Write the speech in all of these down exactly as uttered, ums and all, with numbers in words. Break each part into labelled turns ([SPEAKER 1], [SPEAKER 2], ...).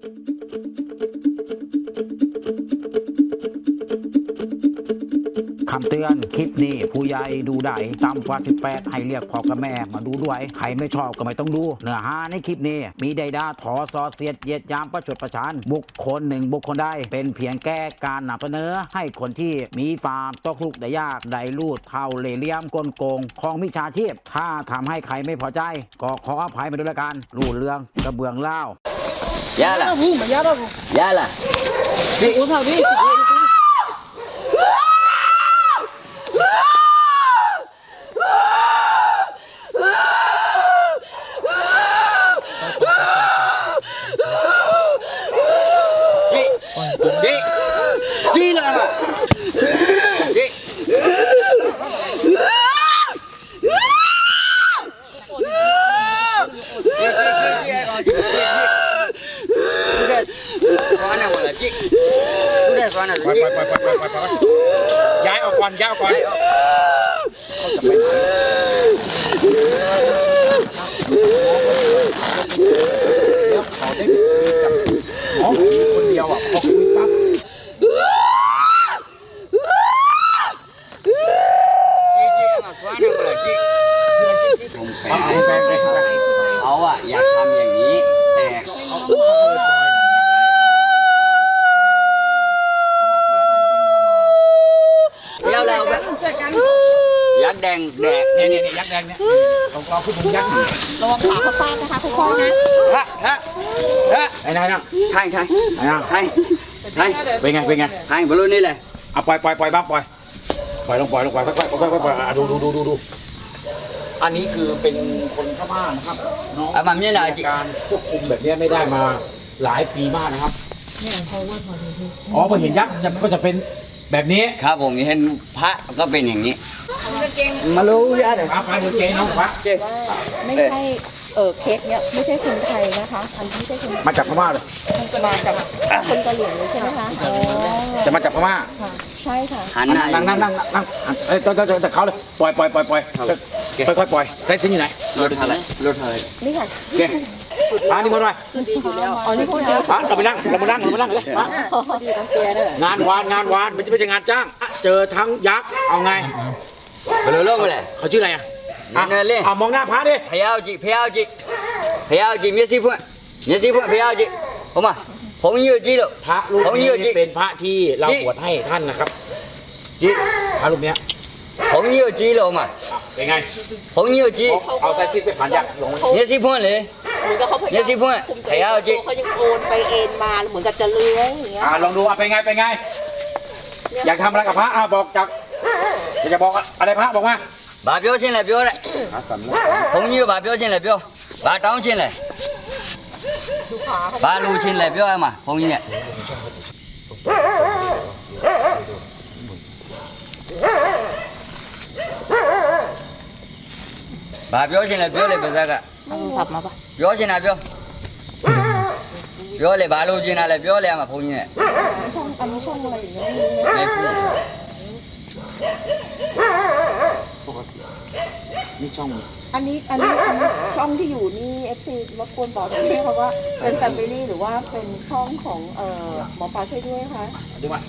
[SPEAKER 1] คำเตือนคลิปนี้ผู้ใหญ่ดูได้ต่ำกว่าสิบแปดให้เรียกพ่อกับแม่มาดูด้วยใครไม่ชอบก็ไม่ต้องดูเนื้อหาในคลิปนี้มีใดด่าถอซอเสียดเหยียดยามประชดประชันบุคคลหนึ่งบุคคลใดเป็นเพียงแก้การนำเสนอให้คนที่มีความตกทุกข์ได้ยากได้ลูดเท่าเล่ห์เหลี่ยมกลโกงของมิจฉาชีพถ้าทำให้ใครไม่พอใจก็ขออภัยมาด้วยละกันรูดเรื่องกระเบื้องเล่า
[SPEAKER 2] Yala. Yala. Usa đi. Chị. Chị. Chị là mà. Chị. Chị chị chị chị rồi chị chị. Xóa nào là chị. Cứ để xóa nào là chị.
[SPEAKER 1] ย้ายออกก่อนย้ายออกก่อนแล้วเขาได้คุยกับหมอคนเดียวอ่ะพอคุยปั๊บ
[SPEAKER 2] chị chị em mà xóa nào là chị. ผมแปลเขาอะอยากทำอย่างนี้แต่เขาเดี๋ยวเราแบบยักษ์แดงแดก
[SPEAKER 1] เนี่ยเนี่ยยักษ์แดงเนี่ยเราเราคือผมยักษ์
[SPEAKER 3] ระวังขาเขาฟาดนะคะค่อยๆนะ
[SPEAKER 2] ฮะฮะฮะ
[SPEAKER 1] ไอ้นายนะ
[SPEAKER 2] ใช่ใช่
[SPEAKER 1] ไอ้นาย
[SPEAKER 2] ใช่ใช่
[SPEAKER 1] เป็นไงเป็นไง
[SPEAKER 2] ใช่บอลลูนนี่เลย
[SPEAKER 1] เอาปล่อยปล่อยปล่อยบ้างปล่อยปล่อยลงปล่อยลงปล่อยค่อยๆค่อยๆค่อยๆดูดูดูดูดูอันนี้คือเป็นคนพม่านะครับน้อง
[SPEAKER 2] อ่ะมันไม่ได้จิ
[SPEAKER 1] การควบคุมแบบนี้ไม่ได้มาหลายปีมากนะครับอ๋อพอเห็นยักษ์ก็จะเป็นแบบนี้
[SPEAKER 2] ครับผมเห็นพระก็เป็นอย่างนี้มารู้ยะเดี๋ยว
[SPEAKER 1] มาไปเดี๋ยวเจ๊น้องครับ
[SPEAKER 2] เจ๊
[SPEAKER 3] ไม่ใช่เออเคสเนี้ยไม่ใช่คนไทยนะคะอันนี้ไม่ใช่คน
[SPEAKER 1] มาจากพม่าเลย
[SPEAKER 3] มาจากคนกะเหรี่ยงเลยใช่ไหมคะอ๋อ
[SPEAKER 1] จะมาจากพม่า
[SPEAKER 3] ค่ะใช่ค่ะ
[SPEAKER 2] หันหน้า
[SPEAKER 1] นั่งนั่งนั่งนั่งเอ้ยแต่แต่แต่เขาเลยปล่อยปล่อยปล่อยปล่อยค่อยๆปล่อยใส่ซิ้นอยู่ไหน
[SPEAKER 2] รถอะไรรถอะไร
[SPEAKER 3] นี่ค่ะ
[SPEAKER 2] เจ๊
[SPEAKER 1] อ่านี่มาหน่อย
[SPEAKER 3] อ๋อนี่พูดนะ
[SPEAKER 1] อ่ะเราไปนั่งเรามานั่งเรามานั่งเลยอ่ะ
[SPEAKER 3] พอดีต้องเปียเลย
[SPEAKER 1] งานวานงานวานไม่ใช่ไม่ใช่งานจ้างเจอทั้งยักษ์เอาไง
[SPEAKER 2] บอลลูนลงไปเลย
[SPEAKER 1] เขาชื่ออะไรอ่ะ
[SPEAKER 2] นี่เลย
[SPEAKER 1] อ่ะมองหน้าพระดิ
[SPEAKER 2] พยาวจิพยาวจิพยาวจิเมียซีพุ่นเมียซีพุ่นพยาวจิผมอ่ะผมยืดจีแล้ว
[SPEAKER 1] พระรูป
[SPEAKER 2] ผมยื
[SPEAKER 1] นี้
[SPEAKER 2] ดจี
[SPEAKER 1] เป็นพระที่เรา
[SPEAKER 2] จิ
[SPEAKER 1] บวชให้ท่านนะครับ
[SPEAKER 2] จี
[SPEAKER 1] พระรูปเนี้ย
[SPEAKER 2] ผมยืดจีแล้วมา
[SPEAKER 1] เป็นไง
[SPEAKER 2] ผมยืดจี
[SPEAKER 1] เอาใส่ซิ้นไปผ่านยักษ์ลงมา
[SPEAKER 2] เมียซีพุ่นเลย
[SPEAKER 3] เหมือนกับเขาพยายาม
[SPEAKER 2] เนี่ยสิพวก
[SPEAKER 3] คุมตัว
[SPEAKER 2] พยายามจิ
[SPEAKER 3] เขายังโอนไปเอ็นมาเหมือนกับจะเลื้อยอย่างเงี้ย
[SPEAKER 1] อ่าลองดูอ่ะเป็นไงเป็นไง อยากทำอะไรกับพระอ่ะบอกจากอยากจะบอกอะไรพระบอกมา
[SPEAKER 2] ဘာပြောချင်းလဲပြောတဲ့ဘုန်းကြီးကဘာပြောချင်းလဲပြောဘာတောင်းချင်းလဲ
[SPEAKER 3] ดูขาเขา
[SPEAKER 2] ဘာလူချင်းလဲပြောရမှာဘုန်းကြီးနဲ့ဘာပြောချင်းလဲပြောလေပါဇက်က
[SPEAKER 3] เอาโทรศัพท์มาปะ
[SPEAKER 2] ပြောချင်းတာပြောပြောလေဘာလူချင်းတာလဲပြောလေရမှာဘုန်းကြီးနဲ့
[SPEAKER 3] ช่องอันนี้ช่องอะไรอย่างเงี้ย
[SPEAKER 2] နေဘူး
[SPEAKER 1] นี่ช่อง
[SPEAKER 3] อันนี้อันนี้อันนี้ช่องที่อยู่นี่เอฟซีรบกวนบอกหน่อยเขาว่าเป็นแฟมิลี่หรือว่าเป็นช่องของเอ่อหมอปลาช่วยด้วยค่ะ
[SPEAKER 1] ดูมา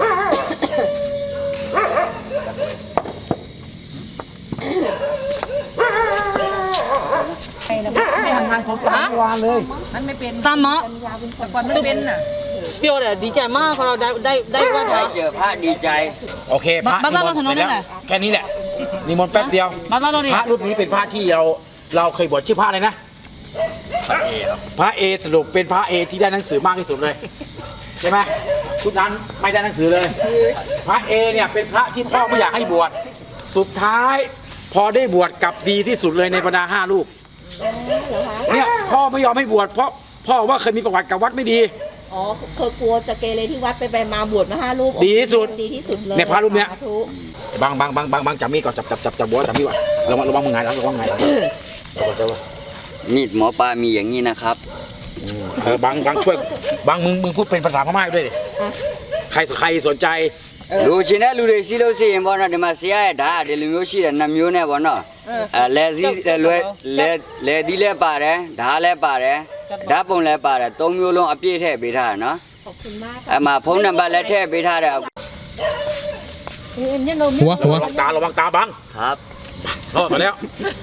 [SPEAKER 1] ไม่ทำงานของกลางวานเลย
[SPEAKER 4] ตามมะ
[SPEAKER 3] ยาเป็นคน
[SPEAKER 4] ก่อนไม่เป็นน่ะเปรี้ยวเลยดีใจมากพอเราได้ได้ได้ไหว้พ
[SPEAKER 2] ได้
[SPEAKER 4] ระ
[SPEAKER 2] เจอพระดีใจ
[SPEAKER 1] โอเคพระ
[SPEAKER 4] บ้านบ้าน
[SPEAKER 1] นิมนต์
[SPEAKER 4] ถนน
[SPEAKER 1] เสร็จแล้ว
[SPEAKER 4] นี่แหละ
[SPEAKER 1] แค่นี้แหละนิมนต์แป๊บเดียว
[SPEAKER 4] มาบ้านเราดิ
[SPEAKER 1] พระรูปนี้เป็นพระที่เราเราเคยบวชชื่อพระอะไรนะพระเอสรุปเป็นพระเอที่ได้หนังสือมากที่สุดเลยใช่ไหมทุกนั้นไม่ได้หนังสือเลย พระเอเนี่ยเป็นพระที่พ่อไม่อยากให้บวชสุดท้ายพอได้บวชกลับดีที่สุดเลยในบรรดาห้ารูป
[SPEAKER 3] เหรอคะ
[SPEAKER 1] เนี่ยพ่อไม่ยอมให้บวชเพราะพ่อว่าเคยมีประวัติกับวัดไม่ดี
[SPEAKER 3] อ๋อเคยกลัวจะเกเรที่วัดไปไปมาบวชมาห้ารูป
[SPEAKER 1] ดีที่สุด
[SPEAKER 3] ดีที่สุดเลย
[SPEAKER 1] เนี่ยพระรูปเนี้ย
[SPEAKER 3] สาธุ
[SPEAKER 1] บางบางบางบางบางจับมีดก่อนจับจับจับจับบัวจับมีดก่อนระวังระวังมึงไงหลังระวังไงหลังระวังระวัง
[SPEAKER 2] มีดหมอปลามีอย่างนี้นะครับ
[SPEAKER 1] เออบางบางช่วยบางมึงมึงพูดเป็นภาษาพม่าด้วยดิใครใครสนใจ
[SPEAKER 2] လူချင်းတဲ့လူတွေစီးလို့ရှိရင်ပေါ့နော်ဒီမှာဆရာရဲ့ဓာတ်ဒီလိုမျိုးရှိတယ်နှစ်မျိုးနဲ့ပေါ့နော်အဲလဲစီလဲလွဲလဲလဲဒီလဲပါတယ်ဓာတ်လဲပါတယ်ဓာတ်ပုံလည်းပါတယ်သုံးမျိုးလုံးအပြည့်ထည့်ပေးထားတယ်နော်
[SPEAKER 3] ขอบคุณมาก
[SPEAKER 2] အဲ့မှာဖုန်းနံပါတ်လည်းထည့်ပေးထားတယ်
[SPEAKER 4] เอ็มเนี่ยนม
[SPEAKER 5] หัวหัว
[SPEAKER 1] ระวังตาระวังตาบัง
[SPEAKER 2] ครับ
[SPEAKER 1] รอดมาแล้ว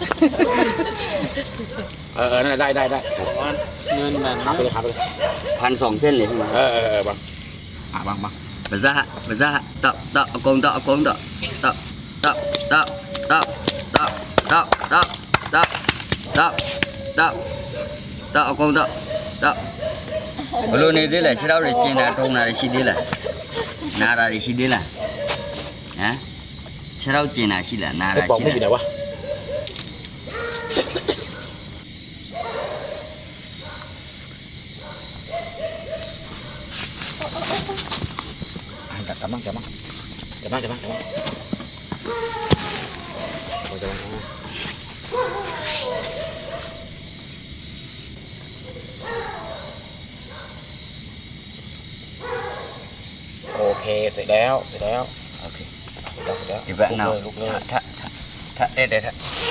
[SPEAKER 1] เออเออนั่นได้ได้ได้เงินมันหาไปเลยหาไปเลย
[SPEAKER 2] พันสองเส้นเลยใช่ไหม
[SPEAKER 1] เออเออเออบังหาบังบัง
[SPEAKER 2] ภาษาภาษาตะตะอากงตะอากงตะตะตะตะตะตะตะตะตะตะตะตะอากงตะตะဘလို့နေသေးလဲခြေထောက်တွေကျင်တာထုံတာတွေရှိသေးလားနာတာတွေရှိသေးလားဟမ်ခြေထောက်ကျင်တာရှိလားနာ
[SPEAKER 1] ไอ้
[SPEAKER 2] တာ
[SPEAKER 1] ปอง
[SPEAKER 2] ရှိ
[SPEAKER 1] มึงอยู่ไหน
[SPEAKER 2] လား
[SPEAKER 1] วะอ่ะจับมั่งจับมั่งจับมั่งจับมั่งจับมั่งจับมั่งจับมั่งโอเคเสร็จแล้วเสร็จแล้ว
[SPEAKER 2] โอเค
[SPEAKER 1] เสร็จแล้วเสร็จแล้ว
[SPEAKER 2] ဒီဘက်နောက်
[SPEAKER 1] ลุกเลย
[SPEAKER 2] ထထထတဲ့တဲ့ထ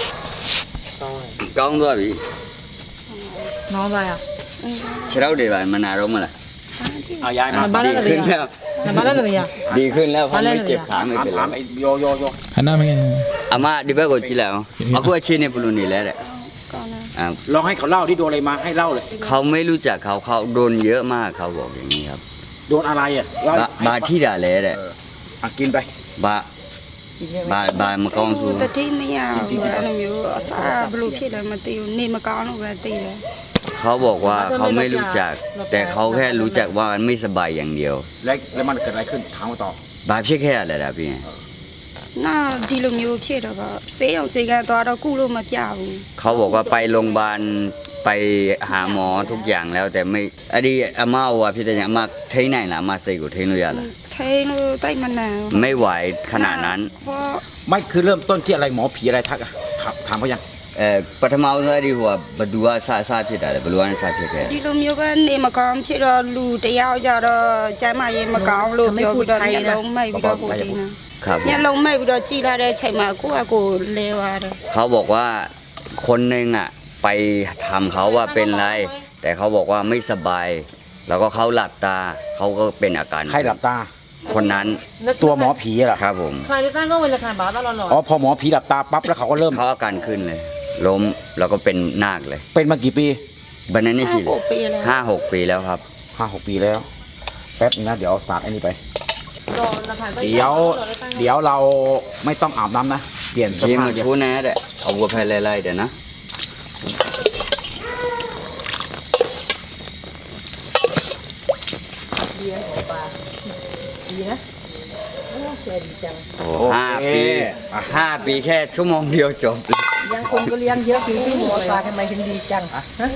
[SPEAKER 2] ကောင်းသွားပြီ
[SPEAKER 4] น้องอะไรอ่ะ
[SPEAKER 2] ခြေထောက်တွေပါမနာတော့မလား
[SPEAKER 1] เอายายมา
[SPEAKER 4] บ้าน
[SPEAKER 2] ดี
[SPEAKER 4] อะไร
[SPEAKER 2] ขึ้น
[SPEAKER 4] อ่ะ
[SPEAKER 2] แล้ว
[SPEAKER 4] บ้านอะไรอ่ะ
[SPEAKER 2] ดีขึ้นแล้วเขาไม่เจ็บขาไม่
[SPEAKER 1] ถาม
[SPEAKER 2] เป็นไร
[SPEAKER 1] ถามไอ้โยโยโย
[SPEAKER 5] หันหน้ามาไง
[SPEAKER 2] အမဒီဘက်ကိုကြည့်လိုက်အောင်အခုအချင်းနေဘလို့နေလဲတဲ့
[SPEAKER 3] ก่อนนะ
[SPEAKER 2] อ่า
[SPEAKER 1] ลองให้เขาเล่าที่โดนอะไรมาให้เล่าเลย
[SPEAKER 2] เขาไม่รู้จักเขาเขาโดนเยอะมากเขาบอกอย่างนี้ครับ
[SPEAKER 1] โดนอะไรอ่ะเล่า
[SPEAKER 2] บาบาที่ด่าเลยแหละ
[SPEAKER 1] เอออ่ะกินไป
[SPEAKER 2] บาบาบามากองสู
[SPEAKER 6] တတိမရဘူးအဲ့လိုမျိုးအစားဘလို့ဖြစ်လဲမသိဘူးနေမကောင်းလို့ပဲသိတယ်
[SPEAKER 2] เขาบอกว่าเขาไม่รู้จัก แต่เขาแค่รู้จักว่ามันไม่สบายอย่างเดียว
[SPEAKER 1] แล้วแล้วมันเกิดอะไรขึ้นถามมาต่อบ
[SPEAKER 2] าဖြစ်ခဲ့ရလဲဒါพี่
[SPEAKER 6] နာဒီလိုမျိုးဖြစ်တော့ကဆေးအောင်ဆေးကန်သွားတော့ကုလို့မပြဘူး
[SPEAKER 2] เขาบอกว่าไปโรงพยาบาลไปหาหมอทุกอย่างแล้ว แต่ไม่อันนี้อาม่าว่าพี่แต่ยังอาม่าထိန်းနိုင်လားအမစိတ်ကိုထိန်းလို့ရလား
[SPEAKER 6] ထိန်လို့တိုက်မနာဘူး
[SPEAKER 2] ไม่ไหวขนาดนั้น
[SPEAKER 6] เพราะ
[SPEAKER 1] ไม่คือเริ่มต้นที่อะไรหมอผีอะไรทักอ่ะถามถามเขายัง
[SPEAKER 2] အဲပထမဦးဆုံးအဲ့ဒီဟိုကဘသူကစစဖြစ်တာလဲဘလူကနေစဖြစ်ခဲ့
[SPEAKER 6] ဒီလိုမျိုးပဲနေမကောင်းဖြစ်တော့လူတယောက်ကြတော့ကျမ်းမာရေးမကောင်းလို့ပြောပြီးတော့မျက်လုံးမိတ်ပြီးတော့ကိုဒီနာ
[SPEAKER 2] ครับผม
[SPEAKER 6] မျက်လုံးမိတ်ပြီးတော့ကြည်လာတဲ့အချိန်မှာကိုယ့်အကိုလဲသွားတယ်
[SPEAKER 2] เขาบอกว่าคนหนึ่งอ่ะไปทำเขาว่าเป็นไร แต่เขาบอกว่าไม่สบาย แล้วก็เขาหลับตาเขาก็เป็นอาการ
[SPEAKER 1] ใครหลับตา
[SPEAKER 2] คนนั้น
[SPEAKER 1] ตัวหมอผีเหรอ
[SPEAKER 2] ครับผม
[SPEAKER 4] ใครที่ตั้งก็เวลาขายบ้านตลอดหรอ
[SPEAKER 1] อ๋อพอหมอผีหลับตาปั๊บแล้วเขาก็เริ่ม
[SPEAKER 2] เขาอาการขึ้นเลย ล้มแล้วก็เป็นนาคเลย
[SPEAKER 1] เป็นมากี่ปี
[SPEAKER 2] บันนั้นนี่สิ
[SPEAKER 6] ห้าหกปีแล้ว
[SPEAKER 2] ห้าหกปีแล้วครับ
[SPEAKER 1] ห้าหกปีแล้ว แป๊บนึงนะเดี๋ยวเอาสาดไอ้นี่ไป
[SPEAKER 4] รอราคา
[SPEAKER 1] เดี๋ยว เดี๋ยวเราไม่ต้องอาบน้ำนะ เปลี่ยนเสื้อ
[SPEAKER 2] ยิ้ม
[SPEAKER 1] ผ้า
[SPEAKER 2] มา
[SPEAKER 1] เดี๋ยว
[SPEAKER 2] ชูแน่เด้เอาวัวไปไล่ๆเดี๋ยวนะ
[SPEAKER 4] ดีนะโอ้เจ๋ดีจัง
[SPEAKER 2] โอ้ห้าปีห้าปีแค่ชั่วโมงเดียวจบ
[SPEAKER 4] ยังคนก็เลี้ยงเยอะคือที่หมอปลาทำไมถึงดีจัง